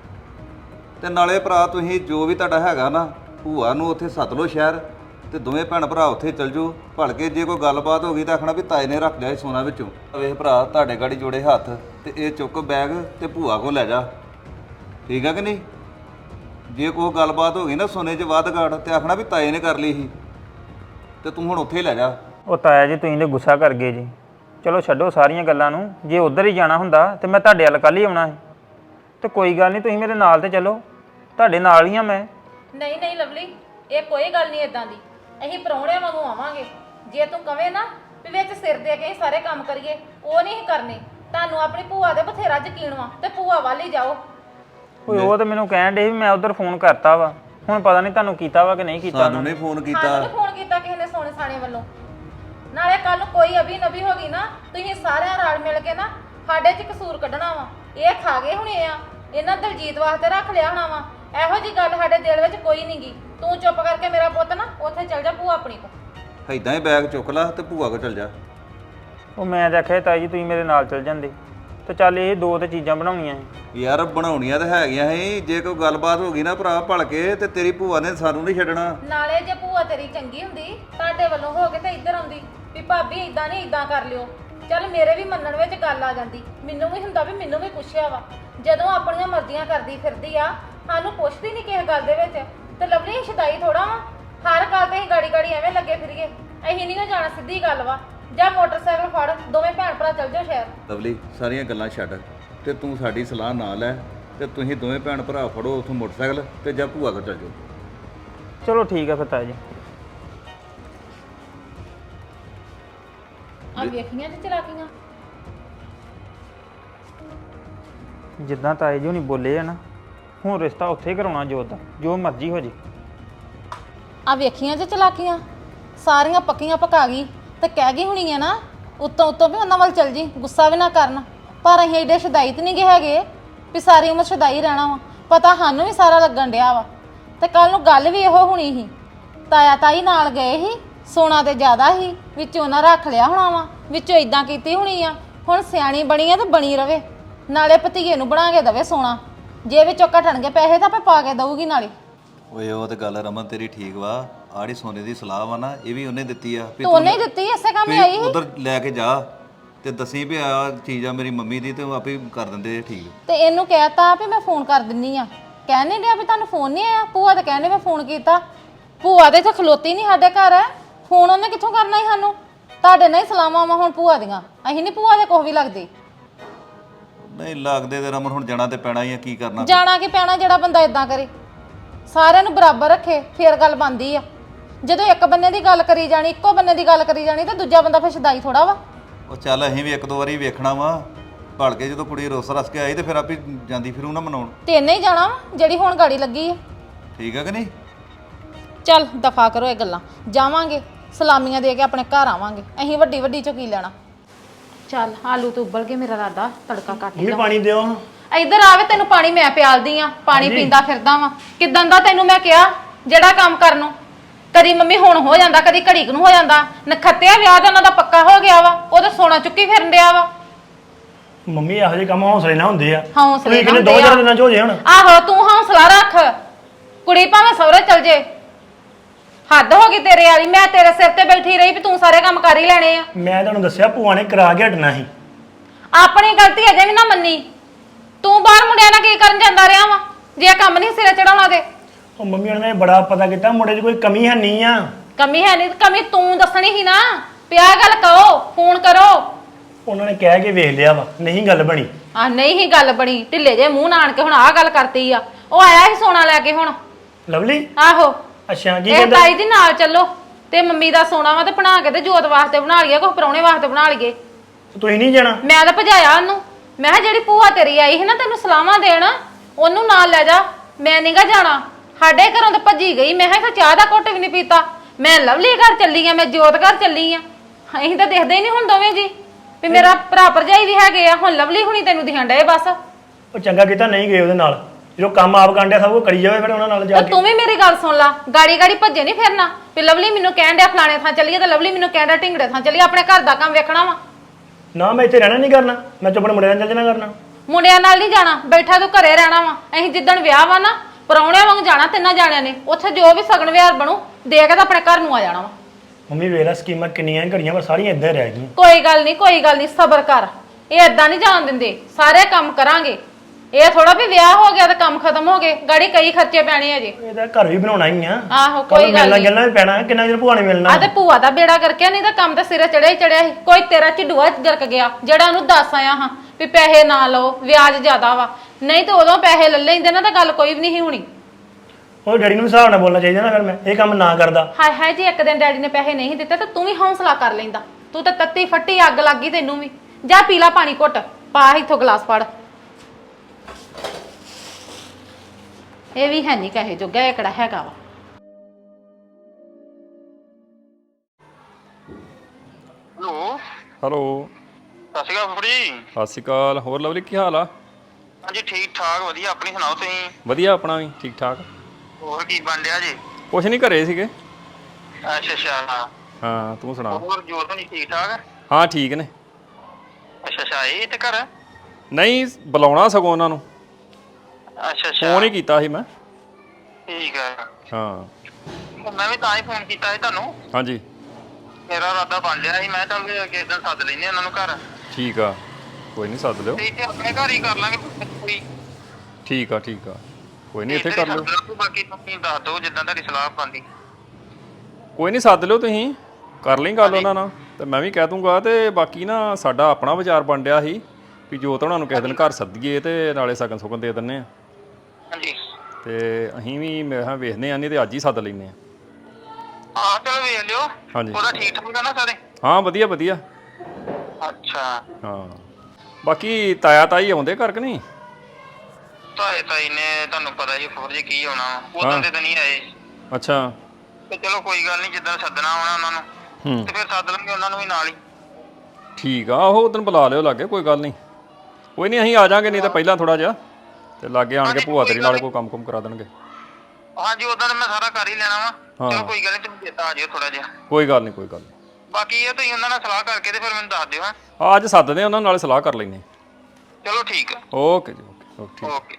C: ਤੇ ਨਾਲੇ ਭਰਾ ਤੁਸੀਂ ਜੋ ਵੀ ਤੁਹਾਡਾ ਹੈਗਾ ਨਾ, ਭੂਆ ਨੂੰ ਉੱਥੇ ਸੱਦ ਲਓ ਸ਼ਹਿਰ ਤੇ ਦੋਵੇਂ ਭੈਣ ਭਰਾ ਉੱਥੇ ਚੱਲ ਜਾਓ। ਭਲਕੇ ਜੇ ਕੋਈ ਗੱਲਬਾਤ ਹੋ ਗਈ ਤਾਂ ਆਖਣਾ ਵੀ ਤਾਏ ਨੇ ਰੱਖ ਲਿਆ ਸੀ ਸੋਨਾ ਵਿੱਚੋਂ। ਵੇਖ ਭਰਾ, ਤੁਹਾਡੇ ਗਾੜੀ ਜੋੜੇ ਹੱਥ ਤੇ ਇਹ ਚੁੱਕ ਬੈਗ ਤੇ ਭੂਆ ਕੋਲ ਲੈ ਜਾ, ਠੀਕ ਆ ਕਿ ਨਹੀਂ? ਜੇ ਕੋਈ ਗੱਲਬਾਤ ਹੋ ਗਈ ਨਾ ਸੋਨੇ 'ਚ ਵੱਧ ਘਾਟ ਤੇ ਆਖਣਾ ਵੀ ਤਾਏ ਨੇ ਕਰ ਲਈ ਸੀ, ਤੇ ਤੂੰ ਹੁਣ ਉੱਥੇ ਹੀ ਲੈ ਜਾ।
B: ਉਹ ਤਾਇਆ ਜੀ ਤੁਸੀਂ ਤੇ ਗੁੱਸਾ ਕਰ ਗਏ ਜੀ। ਚਲੋ ਛੱਡੋ ਸਾਰੀਆਂ ਗੱਲਾਂ ਨੂੰ। ਜੇ ਉੱਧਰ ਹੀ ਜਾਣਾ ਹੁੰਦਾ ਤੇ ਮੈਂ ਤੁਹਾਡੇ ਵੱਲ ਕੱਲ੍ਹ ਹੀ ਆਉਣਾ ਸੀ। ਤੇ ਕੋਈ ਗੱਲ ਨਹੀਂ, ਤੁਸੀਂ ਮੇਰੇ ਨਾਲ ਤੇ ਚਲੋ, ਤੁਹਾਡੇ ਨਾਲ ਹੀ ਆ ਮੈਂ।
A: ਨਹੀਂ ਨਹੀਂ ਲਵਲੀ, ਇਹ ਕੋਈ ਗੱਲ ਨਹੀਂ ਇਦਾਂ ਦੀ। ਅਸੀਂ ਪ੍ਰਾਹੁਣਿਆਂ ਵਾਂਗੂ ਆਵਾਂਗੇ। ਜੇ ਤੂੰ ਕਵੇਂ ਨਾ ਵੀ ਵਿੱਚ ਸਿਰ ਦੇ ਕੇ ਅਸੀਂ ਸਾਰੇ ਕੰਮ ਕਰੀਏ, ਉਹ ਨਹੀਂ ਕਰਨੇ। ਤੁਹਾਨੂੰ ਆਪਣੀ ਭੂਆ ਦੇ ਬਥੇਰਾ ਯਕੀਨ ਵਾ ਤੇ ਭੂਆ ਵੱਲ ਹੀ ਜਾਓ।
B: ਓਏ ਉਹ ਤਾਂ ਮੈਨੂੰ ਕਹਿਣ ਡੇ ਵੀ ਮੈਂ ਉਧਰ ਫੋਨ ਕਰਤਾ ਵਾ, ਹੁਣ ਪਤਾ ਨਹੀਂ ਤੁਹਾਨੂੰ ਕੀਤਾ ਵਾ ਕਿ ਨਹੀਂ ਕੀਤਾ।
C: ਸਾਨੂੰ ਨਹੀਂ ਫੋਨ ਕੀਤਾ।
A: ਸਾਨੂੰ ਫੋਨ ਕੀਤਾ ਕਿਸੇ ਨੇ ਸੋਨੇ ਸਾਣੇ ਵੱਲੋਂ। ਨਾਲੇ ਕੱਲ ਨੂੰ ਕੋਈ ਅਭੀ ਨਵੀ ਹੋ ਗਈ ਨਾ, ਤੁਸੀਂ ਸਾਰਿਆਂ ਰਲ ਮਿਲ ਕੇ ਨਾ ਸਾਡੇ 'ਚ ਕਸੂਰ ਕੱਢਣਾ ਵਾ। ਇਹ ਖਾ ਗਏ ਹੁਣੇ ਆ, ਇਹਨਾਂ ਦਲਜੀਤ ਵਾਸਤੇ ਰੱਖ ਲਿਆ ਹੋਣਾ ਵਾ। ਇਹੋ ਜੀ ਗੱਲ ਸਾਡੇ ਦਿਲ ਵਿੱਚ ਕੋਈ ਨਹੀਂ ਗੀ। ਤੂੰ ਚੁੱਪ ਕਰਕੇ ਮੇਰਾ ਪੁੱਤ ਨਾ ਉੱਥੇ ਚੱਲ ਜਾ ਭੂਆ ਆਪਣੀ ਕੋਲ।
C: ਏਦਾਂ ਹੀ ਬੈਗ ਚੁੱਕ ਲਾ ਤੇ ਭੂਆ ਕੋਲ ਚੱਲ ਜਾ।
B: ਉਹ ਮੈਂ ਤਾਂ ਆਖਿਆ ਤਾਈ ਜੀ ਤੁਸੀਂ ਮੇਰੇ ਨਾਲ ਚੱਲ ਜਾਂਦੇ ਤੇ ਚੱਲ ਇਹ ਦੋ ਤੇ ਚੀਜ਼ਾਂ ਬਣਾਉਣੀਆਂ ਸੀ।
C: ਯਾਰ ਬਣਾਉਣੀਆਂ ਤਾਂ ਹੈਗੀਆਂ ਸੀ, ਜੇ ਕੋਈ ਗੱਲਬਾਤ ਹੋ ਗਈ ਨਾ ਭਰਾ ਭਲਕੇ ਤੇ ਤੇਰੀ ਭੂਆ ਨੇ ਸਾਨੂੰ ਨਹੀਂ ਛੱਡਣਾ।
A: ਨਾਲੇ ਜੇ ਭੂਆ ਤੇਰੀ ਚੰਗੀ ਹੁੰਦੀ ਤੁਹਾਡੇ ਵੱਲੋਂ ਹੋ ਕੇ ਤੇ ਇੱਧਰ ਆਉਂਦੀ ਵੀ ਭਾਬੀ ਇਦਾਂ ਨਹੀਂ ਇਦਾਂ ਕਰ ਲਿਓ, ਚੱਲ ਮੇਰੇ ਵੀ ਮੰਨਣ ਵਿੱਚ ਗੱਲ ਆ ਜਾਂਦੀ। ਮੈਨੂੰ ਵੀ ਹੁੰਦਾ ਵੀ ਮੈਨੂੰ ਵੀ ਪੁੱਛਿਆ ਵਾ। ਜਦੋਂ ਆਪਣੀਆਂ ਮਰਜ਼ੀਆਂ ਕਰਦੀ ਫਿਰਦੀ ਆ, ਸਾਨੂੰ ਪੁੱਛਦੀ ਨਹੀਂ ਕਿਸੇ ਗੱਲ ਦੇ ਵਿੱਚ। ਤੇ ਲਵਲੀ ਸ਼ਦਾਈ ਥੋੜਾ ਵਾ, ਹਰ ਗੱਲ ਤੇ ਅਸੀਂ ਗਾੜੀ ਐਵੇਂ ਲੱਗੇ ਫਿਰੀਏ। ਅਸੀਂ ਨਹੀਂ ਜਾਣਾ, ਸਿੱਧੀ ਗੱਲ ਵਾ। ਜਾਂ ਮੋਟਰਸਾਈਕਲ ਫੜ, ਦੋਵੇਂ ਭੈਣ ਭਰਾ ਚੱਲ ਜਾਓ ਸ਼ਹਿਰ।
C: ਲਵਲੀ ਸਾਰੀਆਂ ਗੱਲਾਂ ਛੱਡ ਤੇ ਤੂੰ ਸਾਡੀ ਸਲਾਹ ਨਾ ਲੈ ਤੇ ਤੁਸੀਂ ਦੋਵੇਂ ਭੈਣ ਭਰਾ ਫੜੋ ਉੱਥੋਂ ਮੋਟਰਸਾਈਕਲ ਤੇ ਜਾਂ ਭੂਆ ਕੋਲ ਚੱਲ ਜਾਓ।
B: ਚਲੋ ਠੀਕ ਆ ਫਿਰ ਤਾਇਆ ਜੀ।
A: ਆ ਵੇਖੀਆਂ ਤੇ ਚਲਾਕੀਆਂ।
B: ਜਿੱਦਾਂ ਤਾਏ ਜੀ ਹੁਣੀ ਬੋਲੇ ਆ ਨਾ, ਹੁਣ ਰਿਸ਼ਤਾ ਉੱਥੇ ਹੀ ਕਰਾਉਣਾ ਜੋਤ ਦਾ, ਜੋ ਮਰਜ਼ੀ ਹੋ ਜੇ।
A: ਆ ਵੇਖੀਆਂ ਜੇ ਚਲਾਕੀਆਂ ਸਾਰੀਆਂ ਪੱਕੀਆਂ ਪਕਾ ਗਈ ਤੇ ਕਹਿ ਗਈ ਹੁਣੀ ਆ ਨਾ ਉੱਤੋਂ ਵੀ ਉਹਨਾਂ ਵੱਲ ਚੱਲ ਜੀ, ਗੁੱਸਾ ਵੀ ਨਾ ਕਰਨ। ਪਰ ਅਸੀਂ ਏਡੇ ਸ਼ਦਾਈ ਤੇ ਨਹੀਂ ਗਏ ਹੈਗੇ ਵੀ ਸਾਰੀ ਉਮਰ ਸ਼ਦਾਈ ਰਹਿਣਾ ਵਾ। ਪਤਾ ਸਾਨੂੰ ਵੀ ਸਾਰਾ ਲੱਗਣ ਡਿਆ ਵਾ। ਤੇ ਕੱਲ ਨੂੰ ਗੱਲ ਵੀ ਇਹੋ ਹੋਣੀ ਸੀ। ਤਾਇਆ ਤਾਈ ਨਾਲ ਗਏ ਸੀ, ਸੋਨਾ ਤੇ ਜ਼ਿਆਦਾ ਸੀ, ਵਿੱਚੋਂ ਉਹਨਾਂ ਰੱਖ ਲਿਆ ਹੋਣਾ ਵਾ, ਵਿੱਚੋਂ ਇਦਾਂ ਕੀਤੀ ਹੋਣੀ ਆ। ਹੁਣ ਸਿਆਣੀ ਬਣੀ ਆ ਤੇ ਬਣੀ ਰਵੇ, ਨਾਲੇ ਭਤੀਏ ਨੂੰ ਬਣਾ ਕੇ ਦਵੇ ਸੋਨਾ। ਜੇ ਵਿੱਚੋਂ ਘਟਣਗੇ ਪੈਸੇ ਤਾਂ ਆਪੇ ਪਾ ਕੇ ਦਊਗੀ ਨਾਲੇ।
C: ਓਏ ਉਹ ਤੇ ਗੱਲ ਰਮਨ ਤੇਰੀ ਠੀਕ ਵਾ। ਆੜੀ ਸੋਨੇ ਦੀ ਸਲਾਹ ਵਾ ਨਾ, ਇਹ ਵੀ ਉਹਨੇ ਦਿੱਤੀ ਆ ਵੀ
A: ਤੂੰ ਉਹਨੇ ਹੀ ਦਿੱਤੀ, ਇਸੇ ਕੰਮ ਹੀ ਆਈ ਸੀ।
C: ਉਧਰ ਲੈ ਕੇ ਜਾ ਤੇ ਦੱਸੀ ਵੀ ਆ ਚੀਜ਼ ਆ ਮੇਰੀ ਮੰਮੀ ਦੀ, ਤੇ ਉਹ ਆਪੇ ਕਰ ਦਿੰਦੇ ਠੀਕ।
A: ਤੇ ਇਹਨੂੰ ਕਹਿਤਾ ਵੀ ਮੈਂ ਫੋਨ ਕਰ ਦਿੰਨੀ ਆ। ਕਹਿ ਨਹੀਂ ਡਿਆ ਵੀ ਤੁਹਾਨੂੰ ਫੋਨ ਨਹੀਂ ਆਇਆ? ਭੂਆ ਤਾਂ ਕਹਿੰਦੇ ਮੈਂ ਫੋਨ ਕੀਤਾ। ਭੂਆ ਦੇ ਇੱਥੇ ਖਲੋਤੀ ਨਹੀਂ ਸਾਡੇ ਘਰ, ਫੋਨ ਉਹਨੇ ਕਿੱਥੋਂ ਕਰਨਾ ਸੀ ਸਾਨੂੰ? ਤੁਹਾਡੇ ਨਾਲ ਹੀ ਸਲਾਮਾਂ ਵਾ ਹੁਣ ਭੂਆ ਦੀਆਂ। ਅਸੀਂ ਨਹੀਂ ਭੂਆ ਦੇ ਕੋਹ ਵੀ ਲੱਗਦੇ।
C: ਨਹੀਂ ਲੱਗਦੇ ਤੇ ਰਮਨ ਹੁਣ ਜਾਣਾ ਤੇ ਪੈਣਾ ਹੀ ਆ, ਕੀ ਕਰਨਾ।
A: ਜਾਣਾ ਕੀ ਪੈਣਾ? ਜਿਹੜਾ ਬੰਦਾ ਇਦਾਂ ਕਰੇ, ਸਾਰਿਆਂ ਨੂੰ ਬਰਾਬਰ ਰੱਖੇ, ਫੇਰ ਗੱਲ ਬਣਦੀ ਆ। ਜਦੋਂ ਇੱਕ ਬੰਨੇ ਦੀ ਗੱਲ ਕਰੀ ਜਾਣੀ, ਇੱਕੋ ਬੰਨੇ ਦੀ ਗੱਲ ਕਰੀ ਜਾਣੀ, ਤੇ ਦੂਜਾ ਬੰਦਾ ਫਿਰ ਸ਼ਦਾਈ ਥੋੜਾ ਵਾ।
C: ਉਹ ਚੱਲ ਅਸੀਂ ਵੀ ਇੱਕ ਦੋ ਵਾਰੀ ਵੇਖਣਾ ਵਾ ਭਲ ਕੇ। ਜਦੋਂ ਕੁੜੀ ਰੁੱਸ ਰਸ ਕੇ ਆਈ ਤੇ ਫਿਰ ਆਪੇ ਜਾਂਦੀ ਫਿਰੂ ਨਾ ਮਨਾਉਣ।
A: ਤੇ ਇੰਨੇ ਹੀ ਜਾਣਾ ਵਾ ਜਿਹੜੀ ਹੁਣ ਗਾੜੀ ਲੱਗੀ ਆ।
C: ਠੀਕ ਆ ਕਿ ਨਹੀਂ?
A: ਚੱਲ ਦਫਾ ਕਰੋ ਇਹ ਗੱਲਾਂ। ਜਾਵਾਂਗੇ ਸਲਾਮੀਆਂ ਦੇ ਕੇ ਆਪਣੇ ਘਰ ਆਵਾਂਗੇ। ਅਸੀਂ ਵੱਡੀ ਵੱਡੀ ਚੋਂ ਕੀ ਲੈਣਾ। ਚੱਲ ਆਲੂ ਤੋਂ ਉਬਲ ਕੇ ਮੇਰਾ ਰਾਦਾ ਤੜਕਾ ਕੱਟ
D: ਇਹ ਪਾਣੀ ਦਿਓ।
A: ਇੱਧਰ ਆਵੇ, ਤੈਨੂੰ ਪਾਣੀ ਮੈਂ ਪਿਆਲਦੀ ਆ। ਪਾਣੀ ਪੀਂਦਾ ਫਿਰਦਾ ਵਾ। ਕਿਦਾਂ ਦਾ ਤੈਨੂੰ ਮੈਂ ਕਿਹਾ ਜਿਹੜਾ ਕੰਮ ਕਰਨ ਨੂੰ? ਕਦੀ ਮੰਮੀ ਹੁਣ ਹੋ ਜਾਂਦਾ, ਕਦੀ ਘੜੀ ਕੁ ਨੂੰ ਹੋ ਜਾਂਦਾ। ਨਖੱਤਿਆ ਵਿਆਹ ਦਾ ਉਹਨਾਂ ਦਾ ਪੱਕਾ ਹੋ ਗਿਆ ਵਾ, ਉਹ ਤਾਂ ਸੋਨਾ ਚੁੱਕੀ ਫਿਰਨ ਡਿਆ ਵਾ।
D: ਮੰਮੀ ਇਹੋ ਜਿਹੇ ਕੰਮ ਹੌਸਲੇ ਨਾਲ ਹੁੰਦੇ ਆ।
A: ਹੌਸਲੇ
D: ਤੁਸੀਂ
A: ਨਾਲ
D: ਕਿੰਨੇ 2 ਦਿਨਾਂ ਚ ਹੋ ਜੇ ਹੁਣ।
A: ਆਹੋ ਤੂੰ ਹੌਸਲਾ ਰੱਖ, ਕੁੜੀ ਭਾਵੇਂ ਸਹੁਰੇ ਚਲ ਜੇ। ਹੱਦ ਹੋ ਗਈ ਤੇਰੇ ਵਾਲੀ। ਮੈਂ ਤੇਰੇ ਸਿਰ ਤੇ ਬੈਠੀ ਰਹੀ ਵੀ ਤੂੰ ਸਾਰੇ ਕੰਮ ਕਰ ਹੀ ਲੈਣੇ ਆ।
D: ਮੈਂ ਤੁਹਾਨੂੰ ਦੱਸਿਆ ਭੂਆ ਨੇ ਕਰਾ ਕੇ ਹਟਣਾ ਸੀ।
A: ਆਪਣੀ ਗਲਤੀ ਅਜੇ ਵੀ ਨਾ ਮੰਨੀ। ਤੂੰ ਬਾਹਰ ਮੁੰਡਿਆਂ ਨਾਲ ਕੀ ਕਰਨ ਜਾਂਦਾ ਰਿਹਾ ਵਾ ਜੇ ਇਹ ਕੰਮ ਨਹੀਂ ਸਿਰੇ ਚੜਾਉਣਾ ਤੇ?
D: ਉਹ ਮੰਮੀ ਉਹਨਾਂ ਨੇ ਬੜਾ ਪਤਾ ਕੀਤਾ, ਮੁੰਡੇ 'ਚ ਕੋਈ ਕਮੀ ਹੈ ਨਹੀਂ ਆ।
A: ਕਮੀ ਹੈ ਨਹੀਂ, ਕਮੀ ਤੂੰ ਦੱਸਣੀ ਸੀ ਨਾ। ਪਿਆ ਗੱਲ ਕਹੋ, ਫੋਨ ਕਰੋ।
D: ਉਹਨਾਂ ਨੇ ਕਹਿ ਕੇ ਵੇਖ ਲਿਆ ਵਾ, ਨਹੀਂ ਗੱਲ ਬਣੀ।
A: ਆ ਨਹੀਂ ਹੀ ਗੱਲ ਬਣੀ, ਢਿੱਲੇ ਜੇ ਮੂੰਹ ਨਾਣ ਕੇ ਹੁਣ ਆਹ ਗੱਲ ਕਰਤੀ ਆ। ਉਹ ਆਇਆ ਸੀ ਸੋਨਾ ਲੈ ਕੇ ਹੁਣ।
D: ਲਵਲੀ?
A: ਆਹੋ।
D: ਅੱਛਾ ਕੀ
A: ਇਹ
D: ਕਹਿੰਦਾ?
A: ਤਾਈ ਜੀ ਨਾਲ ਚੱਲੋ ਤੇ ਮੰਮੀ ਦਾ ਸੋਨਾ ਵਾ ਤੇ ਬਣਾ ਕੇ ਤੇ ਜੋਤ ਵਾਸਤੇ ਬਣਾ ਲਈਏ, ਕੁਝ ਪਰੌਣੇ ਵਾਸਤੇ ਬਣਾ ਲਈਏ।
D: ਤੁਸੀਂ ਨਹੀਂ ਜਾਣਾ?
A: ਮੈਂ ਤਾਂ ਭਜਾਇਆ ਉਹਨੂੰ। ਮੈਂ ਕਿਹਾ ਜਿਹੜੀ ਭੂਆ ਤੇਰੀ ਆਈ ਸੀ ਨਾ ਤੈਨੂੰ ਸਲਾਹਾਂ ਦੇਣ, ਉਹਨੂੰ ਨਾਲ ਲੈ ਜਾ। ਮੈਂ ਨਹੀਂਗਾ ਜਾਣਾ। ਸਾਡੇ ਘਰੋਂ ਤਾਂ ਭੱਜੀ ਗਈ। ਮੈਂ ਕਿਹਾ ਚਾਹ ਦਾ ਘੁੱਟ ਵੀ ਨਹੀਂ ਪੀਤਾ। ਮੈਂ ਲਵਲੀ ਘਰ ਚੱਲੀ ਆ, ਮੈਂ ਜੋਤ ਘਰ ਚੱਲੀ ਆ। ਅਸੀਂ ਤਾਂ ਦੇਖਦੇ ਹੀ ਨਹੀਂ ਹੁਣ ਦੋਵੇਂ ਜੀ ਵੀ ਮੇਰਾ ਭਰਾ ਭਰਜਾਈ ਵੀ ਹੈਗੇ ਆ। ਹੁਣ ਲਵਲੀ ਹੁਣੀ ਤੈਨੂੰ ਦਿਖਣ ਡਏ ਬਸ।
D: ਉਹ ਚੰਗਾ ਕੀਤਾ ਨਹੀਂ ਗਏ ਉਹਦੇ ਨਾਲ। ਜਦੋਂ ਕੰਮ ਆਪ ਕਾਂਡਿਆ ਸਭ ਕੁਝ ਕਰੀ ਜਾਵੇ ਫਿਰ ਉਹਨਾਂ ਨਾਲ ਜਾ
A: ਤੇ
D: ਕੇ।
A: ਤੂੰ ਵੀ ਮੇਰੀ ਗੱਲ ਸੁਣ ਲਾ, ਗਾੜੀ ਗਾੜੀ ਭੱਜੇ ਨਹੀਂ ਫਿਰਨਾ ਵੀ ਲਵਲੀ ਮੈਨੂੰ ਕਹਿਣ ਡਿਆ ਫਲਾਣੇ ਥਾਂ ਚੱਲੀਏ ਤੇ ਲਵਲੀ ਮੈਨੂੰ ਕਹਿਣ ਡਿਆ ਢਿੰਗੜੇ ਥਾਂ ਚੱਲੀਏ। ਆਪਣੇ ਘਰ ਦਾ ਕੰਮ ਵੇਖਣਾ ਵਾ।
D: ਨਾ ਮੈਂ ਇੱਥੇ ਰਹਿਣਾ ਨਹੀਂ ਕਰਨਾ, ਮੈਂ ਚੁੱਪ ਆਪਣੇ ਮੁੰਡੇ ਨਾਲ ਚੱਲ ਜਾਣਾ ਕਰਨਾ।
A: ਮੁੰਡਿਆਂ ਨਾਲ ਨਹੀਂ ਜਾਣਾ, ਬੈਠਾ ਤੂੰ ਘਰੇ ਰਹਿਣਾ ਵਾ। ਅਸੀਂ ਜਿੱਦਣ ਵਿਆਹ ਵਾ ਨਾ ਪਰੌਣਿਆਂ ਵਾਂਗ ਜਾਣਾ ਤਿੰਨਾਂ ਜਾਣਿਆਂ ਨੇ। ਉੱਥੇ ਜੋ ਵੀ ਸਗਨ ਵਿਹਾਰ ਬਣੂ ਦੇ ਕੇ ਤਾਂ ਆਪਣੇ ਘਰ ਨੂੰ ਆ ਜਾਣਾ ਵਾ।
D: ਮੰਮੀ ਵੇਲਾ ਸਕੀਮਾਂ ਕਿੰਨੀਆਂ ਘੜੀਆਂ ਪਰ ਸਾਰੀਆਂ ਇੱਦਾਂ ਹੀ ਰਹਿ ਗਈਆਂ।
A: ਕੋਈ ਗੱਲ ਨਹੀਂ, ਕੋਈ ਗੱਲ ਨਹੀਂ, ਸਬਰ ਕਰ। ਇਹ ਏਦਾਂ ਨਹੀਂ ਜਾਣ ਦਿੰਦੇ, ਸਾਰੇ ਕੰਮ ਕਰਾਂਗੇ। ਇਹ ਥੋੜਾ ਵੀ ਵਿਆਹ ਹੋ ਗਿਆ ਤਾਂ ਕੰਮ ਖਤਮ ਹੋ ਗਏ, ਗਾੜੀ ਕਈ ਖਰਚੇ ਪੈਣੇ ਆ ਜੇ।
D: ਇਹਦਾ ਘਰ ਵੀ ਬਣਾਉਣਾ ਹੀ ਆ।
A: ਆਹੋ ਕੋਈ ਗੱਲ ਨਹੀਂ।
D: ਮਿਲਣਾ ਵੀ ਪੈਣਾ, ਕਿੰਨਾ ਚਿਰ ਭੂਆ ਨੇ ਮਿਲਣਾ।
A: ਆ ਤੇ ਭੂਆ ਦਾ ਬੇੜਾ ਕਰਕੇ ਨਹੀਂ ਤਾਂ ਕੰਮ ਤਾਂ ਸਿਰੇ ਚੜਿਆ ਹੀ ਚੜਿਆ ਸੀ। ਕੋਈ ਤੇਰਾ ਝਿਡੂਆ ਗਰਕ ਗਿਆ ਜਿਹੜਾ ਉਹਨੂੰ ਦੱਸ ਆਇਆ ਹਾਂ ਵੀ ਪੈਸੇ ਨਾ ਲਓ, ਵਿਆਜ ਜ਼ਿਆਦਾ ਵਾ। ਨਹੀਂ ਤੇ ਉਦੋਂ ਪੈਸੇ ਲੈ ਲੈਂਦੇ ਨਾ ਤਾਂ ਗੱਲ ਕੋਈ ਵੀ ਨਹੀਂ ਸੀ ਹੋਣੀ।
D: ਉਹ ਡੈਡੀ ਨੂੰ ਹਿਸਾਬ ਨਾਲ ਬੋਲਣਾ ਚਾਹੀਦਾ ਨਾ, ਫਿਰ ਮੈਂ ਇਹ ਕੰਮ ਨਾ ਕਰਦਾ।
A: ਹਾਏ ਹਾਏ ਜੀ, ਇੱਕ ਦਿਨ ਡੈਡੀ ਨੇ ਪੈਸੇ ਨਹੀਂ ਦਿੱਤੇ ਤਾਂ ਤੂੰ ਵੀ ਹੌਸਲਾ ਕਰ ਲੈਂਦਾ। ਤੂੰ ਤਾਂ ਤੱਤੀ ਫੱਟੀ ਅੱਗ ਲੱਗ ਗਈ ਤੈਨੂੰ ਵੀ। ਜਾ ਪੀਲਾ ਪਾਣੀ ਘੁੱਟ, ਪਾ ਇੱਥੋਂ ਗਲਾਸ ਫੜ। ਇਹ ਵੀ ਹੈ ਨਹੀਂ ਕਹੇ ਜੋਗਾ, ਇਹ ਕਿਹੜਾ ਹੈਗਾ ਵਾ।
E: ਹੈਲੋ।
F: ਹੈਲੋ,
E: ਸਤਿ ਸ਼੍ਰੀ ਅਕਾਲ ਫੁੱਫੜ ਜੀ।
F: ਸਤਿ ਸ਼੍ਰੀ ਅਕਾਲ। ਹੋਰ ਲਵਲੀ ਕੀ ਹਾਲ ਆ?
E: ਹਾਂਜੀ ਠੀਕ ਠਾਕ ਵਧੀਆ, ਆਪਣੀ ਸੁਣਾਓ ਤੁਸੀਂ?
F: ਵਧੀਆ, ਆਪਣਾ ਵੀ ਠੀਕ ਠਾਕ।
E: ਹੋਰ ਕੀ ਬਣ ਰਿਹਾ ਜੀ?
F: ਕੁਛ ਨਹੀਂ, ਘਰੇ ਸੀਗੇ।
E: ਅੱਛਾ ਅੱਛਾ।
F: ਹਾਂ ਤੂੰ ਸੁਣਾ?
E: ਹੋਰ ਜੋਤ ਨਹੀਂ ਠੀਕ ਠਾਕ?
F: ਹਾਂ ਠੀਕ ਨੇ।
E: ਅੱਛਾ ਅੱਛਾ, ਇਹ ਤੇ ਘਰ?
F: ਨਹੀਂ ਬੁਲਾਉਣਾ ਸਗੋਂ ਉਹਨਾਂ ਨੂੰ,
E: ਅੱਛਾ ਅੱਛਾ
F: ਫੋਨ ਹੀ ਕੀਤਾ ਸੀ ਮੈਂ।
E: ਠੀਕ ਹੈ।
F: ਹਾਂ
E: ਮੈਂ ਵੀ ਤਾਂ ਹੀ ਫੋਨ ਕੀਤਾ ਸੀ ਤੁਹਾਨੂੰ।
F: ਹਾਂਜੀ
E: ਮੇਰਾ ਇਰਾਦਾ ਬਣ ਰਿਹਾ ਸੀ, ਮੈਂ ਚੱਲ ਕਿਸੇ ਦਿਨ ਸੱਦ ਲੈਨੇ ਉਹਨਾਂ ਨੂੰ ਘਰ।
F: ਠੀਕ ਆ, ਕੋਈ ਨਹੀਂ ਸੱਦ ਲਿਓ।
E: ਤੇ ਇੱਥੇ ਆਪਣੇ ਘਰ ਹੀ ਕਰ ਲਾਂਗੇ ਕੋਈ।
F: ਠੀਕ ਆ ਠੀਕ ਆ, ਕੋਈ ਨਹੀਂ ਇੱਥੇ ਕਰ ਲਿਓ।
E: ਬਾਕੀ ਤੁਸੀਂ ਦੱਸ ਦਿਓ ਜਿੱਦਾਂ ਤੁਹਾਡੀ ਸਲਾਹ ਬਣਦੀ।
F: ਕੋਈ ਨਹੀਂ ਸੱਦ ਲਿਓ, ਤੁਸੀਂ ਕਰ ਲਈ ਗੱਲ ਉਹਨਾਂ ਨਾਲ ਤੇ ਮੈਂ ਵੀ ਕਹਿ ਦੂੰਗਾ। ਤੇ ਬਾਕੀ ਨਾ ਸਾਡਾ ਆਪਣਾ ਵਿਚਾਰ ਬਣ ਰਿਹਾ ਸੀ ਵੀ ਜੋਤ ਉਹਨਾਂ ਨੂੰ ਕਿਸੇ ਦਿਨ ਘਰ ਸੱਦੀਏ ਤੇ ਨਾਲੇ ਸ਼ਗਨ ਸੁਗਨ ਦੇ ਦਿੰਦੇ ਆ।
E: ਹਾਂਜੀ
F: ਤੇ ਅਸੀਂ ਵੀ ਮੈਂ ਕਿਹਾ ਵੇਖਦੇ ਆ, ਨਹੀਂ ਤੇ ਅੱਜ ਹੀ ਸੱਦ ਲੈਂਦੇ ਆ।
E: ਹਾਂ ਚਲੋ ਵੇਖ ਲਿਓ।
F: ਹਾਂਜੀ
E: ਉਹਦਾ ਠੀਕ ਠਾਕ ਆ ਨਾ ਸਾਰੇ?
F: ਹਾਂ ਵਧੀਆ ਵਧੀਆ।
E: ਅੱਛਾ।
F: ਹਾਂ ਬਾਕੀ ਤਾਇਆ ਤਾਈ ਆਉਂਦੇ ਘਰ ਕਿ ਨਹੀਂ?
E: ਤਾਈ ਨੇ ਤੁਹਾਨੂੰ ਪਤਾ ਜੀ ਫੁੱਫੜ ਜੀ ਕੀ ਹੋਣਾ, ਉਦੋਂ ਦੇ ਤਾਂ ਨਹੀਂ ਆਏ।
F: ਅੱਛਾ।
E: ਤੇ ਚਲੋ ਕੋਈ ਗੱਲ ਨਹੀਂ, ਜਿੱਦਾਂ ਸੱਦਣਾ ਆਉਣਾ ਉਹਨਾਂ ਨੂੰ ਤੇ ਫਿਰ ਸੱਦ ਲਾਂਗੇ ਉਹਨਾਂ ਨੂੰ ਵੀ ਨਾਲ ਹੀ।
F: ਠੀਕ ਆ, ਉਹ ਉਦੋਂ ਬੁਲਾ ਲਿਓ ਲਾਗੇ, ਕੋਈ ਗੱਲ ਨਹੀਂ। ਕੋਈ ਨਹੀਂ ਅਸੀਂ ਆ ਜਾਾਂਗੇ, ਨਹੀਂ ਤਾਂ ਪਹਿਲਾਂ ਥੋੜਾ ਜਿਹਾ ਤੇ ਲਾਗੇ ਆਣ ਕੇ ਭੂਆ ਤੇਰੀ ਨਾਲ ਕੋਈ ਕੰਮ ਕੁਮ ਕਰਾ ਦੇਣਗੇ।
E: ਹਾਂਜੀ ਉਦੋਂ ਤਾਂ ਮੈਂ ਸਾਰਾ ਕਰ ਹੀ ਲੈਣਾ ਵਾ। ਚਲੋ ਕੋਈ ਗੱਲ ਨਹੀਂ, ਤੁਸੀਂ ਚੇਤਾ ਆ ਜਿਓ ਥੋੜਾ ਜਿਹਾ।
F: ਕੋਈ ਗੱਲ ਨਹੀਂ ਕੋਈ ਗੱਲ ਨਹੀਂ।
E: ਬਾਕੀ ਇਹ ਤੁਸੀਂ ਉਹਨਾਂ ਨਾਲ ਸਲਾਹ ਕਰਕੇ ਤੇ ਫਿਰ ਮੈਨੂੰ ਦੱਸ ਦਿਓ। ਹਾਂ
F: ਆ ਅੱਜ ਸੱਦਦੇ ਉਹਨਾਂ ਨਾਲ ਸਲਾਹ ਕਰ ਲੈਂਦੇ।
E: ਚਲੋ ਠੀਕ ਆ।
F: ਓਕੇ ਜੀ ਓਕੇ
E: ਓਕੇ।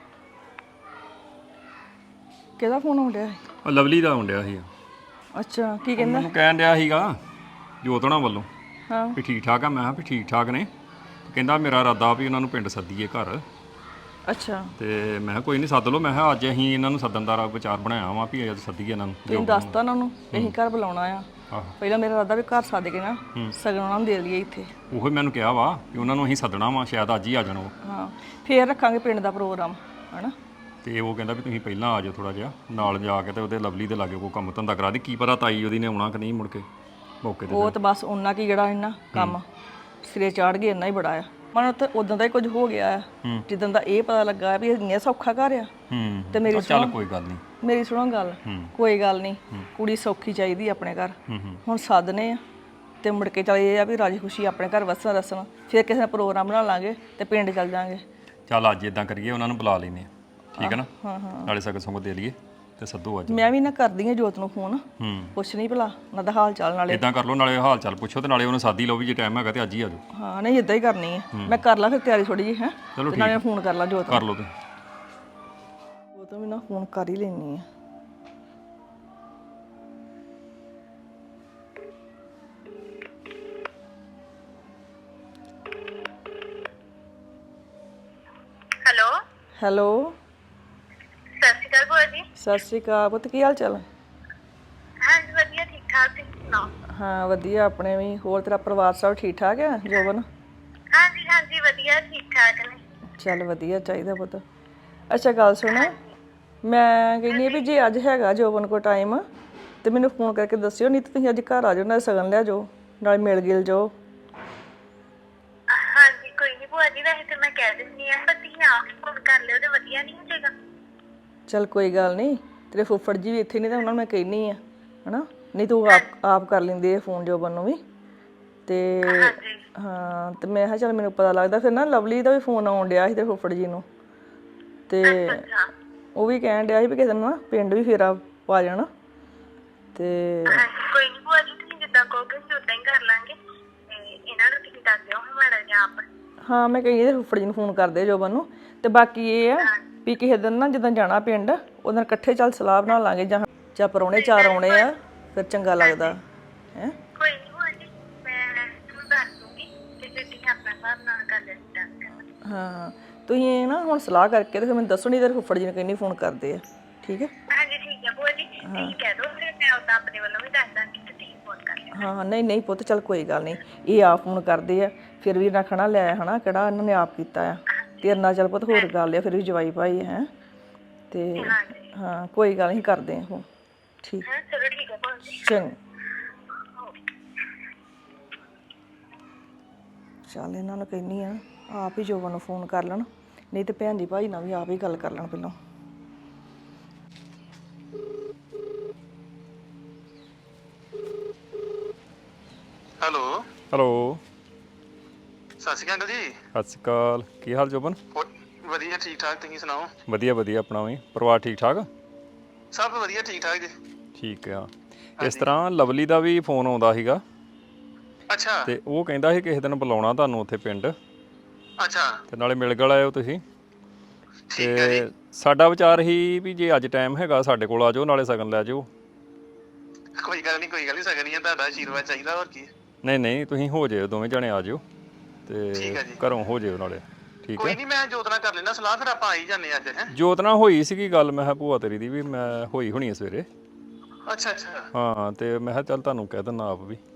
G: ਕਿਹਦਾ ਫੋਨ ਆਉਣ ਡਿਆ?
F: ਉਹ ਲਵਲੀ ਦਾ ਆਉਣ ਡਿਆ ਸੀ।
G: ਅੱਛਾ ਕੀ ਕਹਿੰਦਾ?
F: ਮੈਨੂੰ ਕਹਿਣ ਡਿਆ ਸੀਗਾ ਜੋਤ ਹੋਣਾ ਵੱਲੋਂ
G: ਹਾਂ
F: ਵੀ ਠੀਕ ਠਾਕ ਆ। ਮੈਂ ਕਿਹਾ ਵੀ ਠੀਕ ਠਾਕ ਨੇ। ਕਹਿੰਦਾ ਮੇਰਾ ਇਰਾਦਾ ਵੀ ਉਹਨਾਂ ਨੂੰ ਪਿੰਡ ਸੱਦੀਏ ਘਰ।
G: ਅੱਛਾ
F: ਤੇ ਮੈਂ ਕਿਹਾ ਕੋਈ ਨਹੀਂ ਸੱਦ ਲਓ। ਮੈਂ ਕਿਹਾ ਅੱਜ ਅਸੀਂ ਇਹਨਾਂ ਨੂੰ ਸੱਦਣ ਦਾ ਵਿਚਾਰ ਬਣਾਇਆ ਵਾ ਵੀ ਅੱਜ ਸੱਦੀਏ ਇਹਨਾਂ ਨੂੰ।
G: ਤੁਸੀਂ ਦੱਸਤਾ ਉਹਨਾਂ ਨੂੰ ਅਸੀਂ ਘਰ ਬੁਲਾਉਣਾ ਆ।
F: ਆਹੋ
G: ਪਹਿਲਾਂ ਮੇਰਾ ਇਰਾਦਾ ਵੀ ਘਰ ਸੱਦ ਕੇ ਨਾ ਸਗਨ ਉਹਨਾਂ ਨੂੰ ਦੇ ਲਈਏ ਇੱਥੇ।
F: ਉਹੀ ਮੈਨੂੰ ਕਿਹਾ ਵਾ ਕਿ ਉਹਨਾਂ ਨੂੰ ਅਸੀਂ ਸੱਦਣਾ ਵਾ, ਸ਼ਾਇਦ ਅੱਜ ਹੀ ਆ ਜਾਣ ਉਹ।
G: ਹਾਂ ਫੇਰ ਰੱਖਾਂਗੇ ਪਿੰਡ ਦਾ ਪ੍ਰੋਗਰਾਮ ਹਨਾ।
F: ਤੇ ਉਹ ਕਹਿੰਦਾ ਵੀ ਤੁਸੀਂ ਪਹਿਲਾਂ ਆ ਜਾਓ ਥੋੜਾ ਜਿਹਾ ਨਾਲ ਜਾ ਕੇ ਤੇ ਉਹਦੇ ਲਵਲੀ ਦੇ ਲਾਗੇ ਕੋਈ ਕੰਮ ਧੰਦਾ ਕਰਾ ਦੇ। ਕੀ ਪਤਾ ਤਾਈ ਉਹਦੀ ਨੇ ਆਉਣਾ ਕਿ ਨਹੀਂ ਮੁੜ ਕੇ ਮੌਕੇ ਤੇ।
G: ਉਹ ਤਾਂ ਬਸ ਉਹਨਾਂ ਕੀ ਜਿਹੜਾ ਇਹਨਾਂ ਕੰਮ ਸਿਰੇ ਚਾੜ ਗਏ ਇੰਨਾ ਹੀ ਬੜਾ ਆ। ਮਨ ਉੱਥੇ ਉਦੋਂ ਦਾ ਹੀ ਕੁਝ ਹੋ ਗਿਆ ਆ ਜਿੱਦਾਂ ਦਾ ਇਹ ਪਤਾ ਲੱਗਾ ਵੀ ਇੰਨਾ ਸੌਖਾ ਘਰ ਆ। ਤੇ ਮੇਰੀ
F: ਚੱਲ ਕੋਈ ਗੱਲ ਨਹੀਂ,
G: ਮੇਰੀ ਸੁਣੋ ਗੱਲ। ਕੋਈ ਗੱਲ ਨਹੀਂ, ਕੁੜੀ ਸੌਖੀ ਚਾਹੀਦੀ ਆਪਣੇ ਘਰ। ਹੁਣ ਸੱਦਨੇ ਆ ਤੇ ਮੁੜ ਕੇ ਚੱਲ ਇਹ ਆ ਵੀ ਰਾਜੀ ਖੁਸ਼ੀ ਆਪਣੇ ਘਰ ਵਸਣ ਰਸਣ। ਫਿਰ ਕਿਸੇ ਦਾ ਪ੍ਰੋਗਰਾਮ ਬਣਾ ਲਾਂਗੇ ਤੇ ਪਿੰਡ ਚੱਲ ਜਾਾਂਗੇ।
F: ਚੱਲ ਅੱਜ ਇਦਾਂ ਕਰੀਏ, ਉਹਨਾਂ ਨੂੰ ਬੁਲਾ ਲੈਨੇ ਆ। ਠੀਕ ਹੈ ਨਾ? ਨਾਲੇ ਸਗਨ ਸੁਗਨ ਦੇ ਲਈਏ ਤੇ ਸੱਦੋ ਅੱਜ
G: ਮੈਂ ਵੀ ਨਾ ਕਰਦੀ ਆ ਜੋਤ ਨੂੰ ਫੋਨ,
F: ਹੂੰ
G: ਪੁੱਛ ਨਹੀਂ ਭਲਾ ਉਹਨਾਂ ਦਾ ਹਾਲ ਚਾਲ ਨਾਲੇ।
F: ਇਦਾਂ ਕਰ ਲਓ, ਨਾਲੇ ਹਾਲ ਚਾਲ ਪੁੱਛੋ ਤੇ ਨਾਲੇ ਉਹਨੂੰ ਸਾਦੀ ਲਓ ਵੀ ਜੇ ਟਾਈਮ ਹੈਗਾ ਤੇ ਅੱਜ ਹੀ ਆ ਜਾਓ।
G: ਹਾਂ ਨਹੀਂ ਇਦਾਂ ਹੀ ਕਰਨੀ ਹੈ। ਮੈਂ ਕਰ ਲਾਂ ਫਿਰ ਤਿਆਰੀ ਥੋੜੀ ਜਿਹੀ ਹੈ,
F: ਚਲੋ
G: ਤੇ ਨਾਲੇ ਫੋਨ ਕਰ ਲਾਂ ਜੋਤ ਨੂੰ।
F: ਕਰ ਲਓ ਤੁਸੀਂ।
G: ਉਹ ਤਾਂ ਵੀ ਨਾ ਫੋਨ ਕਰ ਹੀ ਲੈਣੀ ਆ।
H: ਹੈਲੋ
G: ਹੈਲੋ
H: ਸਤਿ ਸ਼੍ਰੀ ਅਕਾਲ ਭੂਆ ਜੀ।
G: ਸਤਿ ਸ਼੍ਰੀ ਅਕਾਲ ਪੁੱਤ, ਕੀ ਹਾਲ ਚਾਲ?
H: ਹਾਂਜੀ ਵਧੀਆ ਠੀਕ ਠਾਕ, ਤੁਸੀਂ ਸੁਣਾਓ?
G: ਹਾਂ ਵਧੀਆ ਆਪਣੇ ਵੀ। ਹੋਰ ਤੇਰਾ ਪਰਿਵਾਰ ਸਭ ਠੀਕ ਠਾਕ ਆ ਜੋਬਨ?
H: ਹਾਂਜੀ ਹਾਂਜੀ ਵਧੀਆ ਠੀਕ ਠਾਕ ਨੇ।
G: ਚੱਲ ਵਧੀਆ ਚਾਹੀਦਾ ਪੁੱਤ। ਅੱਛਾ ਗੱਲ ਸੁਣ, ਮੈਂ ਕਹਿੰਦੀ ਆ ਵੀ ਜੇ ਅੱਜ ਹੈਗਾ ਜੋਬਨ ਕੋਲ ਟਾਈਮ ਤੇ ਮੈਨੂੰ ਫੋਨ ਕਰਕੇ ਦੱਸਿਓ, ਨਹੀਂ ਤਾਂ ਤੁਸੀਂ ਅੱਜ ਘਰ ਆ ਜਾਓ, ਨਾਲ ਸਗਨ ਲੈ ਜਾਓ, ਨਾਲ ਮਿਲ ਗਿਲ ਜਾਓ।
H: ਹਾਂਜੀ ਕੋਈ ਨਹੀਂ ਭੂਆ ਜੀ, ਵੈਸੇ ਤੇ ਮੈਂ ਕਹਿ ਦਿੰਦੀ ਆ, ਪਰ ਤੁਸੀਂ ਆਪ ਫੋਨ ਕਰ ਲਿਓ ਤੇ ਵਧੀਆ ਨਹੀਂ ਹੋ ਜਾਏਗਾ?
G: ਚੱਲ ਕੋਈ ਗੱਲ ਨਹੀਂ, ਤੇਰੇ ਫੁੱਫੜ ਜੀ ਵੀ ਇੱਥੇ ਨਹੀਂ ਤਾਂ ਉਹਨਾਂ ਨੂੰ ਮੈਂ ਕਹਿਨੀ ਆ, ਹਨਾ? ਨਹੀਂ ਤੂੰ ਆਪ ਕਰ ਲੈਂਦੀ ਆ ਫੋਨ ਜੋਬਨ ਨੂੰ ਵੀ। ਤੇ ਹਾਂ ਤੇ ਮੈਂ ਕਿਹਾ ਚੱਲ ਮੈਨੂੰ ਪਤਾ ਲੱਗਦਾ ਫਿਰ ਨਾ ਲਵਲੀ ਦਾ ਵੀ ਫੋਨ ਆਉਣ ਡਿਆ ਸੀ ਤੇ ਫੁੱਫੜ ਜੀ ਨੂੰ, ਤੇ ਉਹ ਵੀ ਕਹਿਣ ਡਿਆ ਸੀ ਵੀ ਕਿਸੇ ਦਿਨ ਨਾ ਪਿੰਡ ਵੀ ਫੇਰਾ ਪਾ ਜਾਣਾ। ਤੇ
H: ਹਾਂਜੀ ਕੋਈ ਨਹੀਂ ਭੂਆ ਜੀ, ਤੁਸੀਂ ਜਿੱਦਾਂ ਕਹੋਗੇ ਅਸੀਂ ਉਦਾਂ ਹੀ ਕਰ ਲਾਂਗੇ, ਤੇ ਇਹਨਾਂ ਨੂੰ ਤੁਸੀਂ ਦੱਸ ਦਿਓ ਹੁਣ ਮਾੜਾ ਜਿਹਾ ਆਪ।
G: ਹਾਂ ਮੈਂ ਕਹੀ ਇਹਦੇ ਫੁੱਫੜ ਜੀ ਨੂੰ ਫੋਨ ਕਰਦੇ ਜੋਬਨ ਨੂੰ। ਤੇ ਬਾਕੀ ਇਹ ਆ ਵੀ ਕਿਸੇ ਦਿਨ ਨਾ ਜਦੋਂ ਜਾਣਾ ਪਿੰਡ ਉਹਦੇ ਨਾਲ ਇਕੱਠੇ ਚੱਲ ਸਲਾਹ ਬਣਾ ਲਾਂਗੇ, ਜਾਂ ਪਰੌਣੇ ਚਾਰ ਆਉਣੇ ਆ ਫਿਰ ਚੰਗਾ ਲੱਗਦਾ ਹੈ।
H: ਕੋਈ ਨਹੀਂ ਭੂਆ ਜੀ, ਮੈਂ ਤੁਹਾਨੂੰ ਦੱਸ ਦੂੰਗੀ ਤੇ ਫਿਰ ਤੁਸੀਂ ਆਪਣਾ ਹਿਸਾਬ ਨਾਲ ਕਰ ਲੈਣਾ।
G: ਹਾਂ ਤੁਸੀਂ ਇਹ ਨਾ ਹੁਣ ਸਲਾਹ ਕਰਕੇ ਤੇ ਫਿਰ ਮੈਨੂੰ ਦੱਸੋ, ਨਹੀਂ ਤੇਰੇ ਫੁੱਫੜ ਜੀ ਨੂੰ ਕਹਿੰਦੀ ਫੋਨ ਕਰਦੇ ਆ, ਠੀਕ ਹੈ?
H: ਹਾਂਜੀ ਠੀਕ ਹੈ ਭੂਆ ਜੀ, ਤੁਸੀਂ ਕਹਿ ਦਿਓ ਫਿਰ ਮੈਂ ਉਦਾਂ ਆਪਣੇ ਵੱਲੋਂ ਵੀ ਦੱਸ ਦਾਂਗੀ ਤੇ ਤੁਸੀਂ ਫੋਨ ਕਰ ਲਿਓ।
G: ਹਾਂ ਨਹੀਂ ਨਹੀਂ ਪੁੱਤ ਚੱਲ ਕੋਈ ਗੱਲ ਨਹੀਂ, ਇਹ ਆਪ ਫੋਨ ਕਰਦੇ ਆ ਫਿਰ ਵੀ ਰੱਖਣਾ ਲੈ ਹਨਾ, ਕਿਹੜਾ ਇਹਨਾਂ ਨੇ ਆਪ ਕੀਤਾ ਆ। ਤੇਰੇ ਨਾਲ ਚੱਲ ਪੁੱਤ ਹੋਰ ਗੱਲ ਆ, ਫਿਰ ਵੀ ਜਵਾਈ ਭਾਈ ਹੈ ਤੇ ਹਾਂ ਕੋਈ ਗੱਲ ਨਹੀਂ ਕਰਦੇ ਆ ਹੁਣ, ਠੀਕ
H: ਹਾਂ ਚਲੋ ਠੀਕ ਹੈ ਭੂਆ ਜੀ।
G: ਚੰਗਾ। ਚੱਲ ਇਹਨਾਂ ਨੂੰ ਕਹਿੰਦੀ ਆ ਆਪ ਹੀ ਜੋਬਨ ਨੂੰ ਫੋਨ ਕਰ ਲੈਣ, ਨਹੀਂ ਤੇ ਭੈਣ ਦੀ ਭਾਈ ਨਾਲ ਵੀ ਆਪ ਹੀ ਗੱਲ ਕਰ ਲੈਣ ਪਹਿਲਾਂ।
E: ਹੈਲੋ
F: ਹੈਲੋ
E: ਸਤਿ ਸ਼੍ਰੀ ਅਕਾਲ ਜੀ।
F: ਸਤਿ ਸ਼੍ਰੀ ਅਕਾਲ, ਕੀ ਹਾਲ ਜੋਬਨ?
E: ਵਧੀਆ ਠੀਕ ਠਾਕ, ਤੁਸੀਂ ਸੁਣਾਓ?
F: ਵਧੀਆ ਵਧੀਆ, ਆਪਣਾ ਵੀ ਪਰਿਵਾਰ ਠੀਕ ਠਾਕ?
E: ਸਭ ਵਧੀਆ ਠੀਕ ਠਾਕ ਜੀ।
F: ਠੀਕ ਆ। ਇਸ ਤਰ੍ਹਾਂ ਲਵਲੀ ਦਾ ਵੀ ਫੋਨ ਆਉਂਦਾ ਸੀਗਾ
E: ਅੱਛਾ
F: ਤੇ ਉਹ ਕਹਿੰਦਾ ਸੀ ਕਿਸੇ ਦਿਨ ਬੁਲਾਉਣਾ ਤੁਹਾਨੂੰ ਉੱਥੇ ਪਿੰਡ,
E: ਅੱਛਾ
F: ਤੇ ਨਾਲੇ ਮਿਲ ਗਿਲ ਆਇਓ ਤੁਸੀਂ।
E: ਠੀਕ ਹੈ ਜੀ।
F: ਤੇ ਸਾਡਾ ਵਿਚਾਰ ਸੀ ਵੀ ਜੇ ਅੱਜ ਟਾਈਮ ਹੈਗਾ ਸਾਡੇ ਕੋਲ ਆ ਜਾਓ, ਨਾਲੇ ਸਗਨ ਲੈ ਜਾਓ।
E: ਕੋਈ ਗੱਲ ਨਹੀਂ ਕੋਈ ਗੱਲ ਨਹੀਂ, ਸਗਨ ਹੀ ਆ, ਤੁਹਾਡਾ ਆਸ਼ੀਰਵਾਦ ਚਾਹੀਦਾ ਹੋਰ ਕੀ।
F: ਨਹੀਂ ਨਹੀਂ ਤੁਸੀਂ ਹੋ ਜਾਇਓ, ਦੋਵੇਂ ਜਣੇ ਆ ਜਾਓ ਤੇ
E: ਠੀਕ ਹੈ ਜੀ।
F: ਘਰੋਂ ਹੋ ਜਾਇਓ ਨਾਲੇ, ਠੀਕ
E: ਕੋਈ
F: ਹੈ?
E: ਨਹੀਂ ਮੈਂ ਜੋਤ ਨਾਲ ਕਰ ਲੈਣਾ ਸਲਾਹ, ਫਿਰ ਆਪਾਂ ਆ ਹੀ ਜਾਂਦੇ ਅੱਜ। ਹੈ
F: ਜੋਤ ਨਾਲ ਹੋਈ ਸੀਗੀ ਗੱਲ, ਮੈਂ ਕਿਹਾ ਭੂਆ ਤੇਰੀ ਦੀ ਵੀ ਮੈਂ ਹੋਈ ਹੋਣੀ ਸਵੇਰੇ।
E: ਅੱਛਾ ਅੱਛਾ
F: ਹਾਂ ਤੇ ਮੈਂ ਕਿਹਾ ਚੱਲ ਤੁਹਾਨੂੰ ਕਹਿ ਦਿੰਦਾ ਆਪ ਵੀ।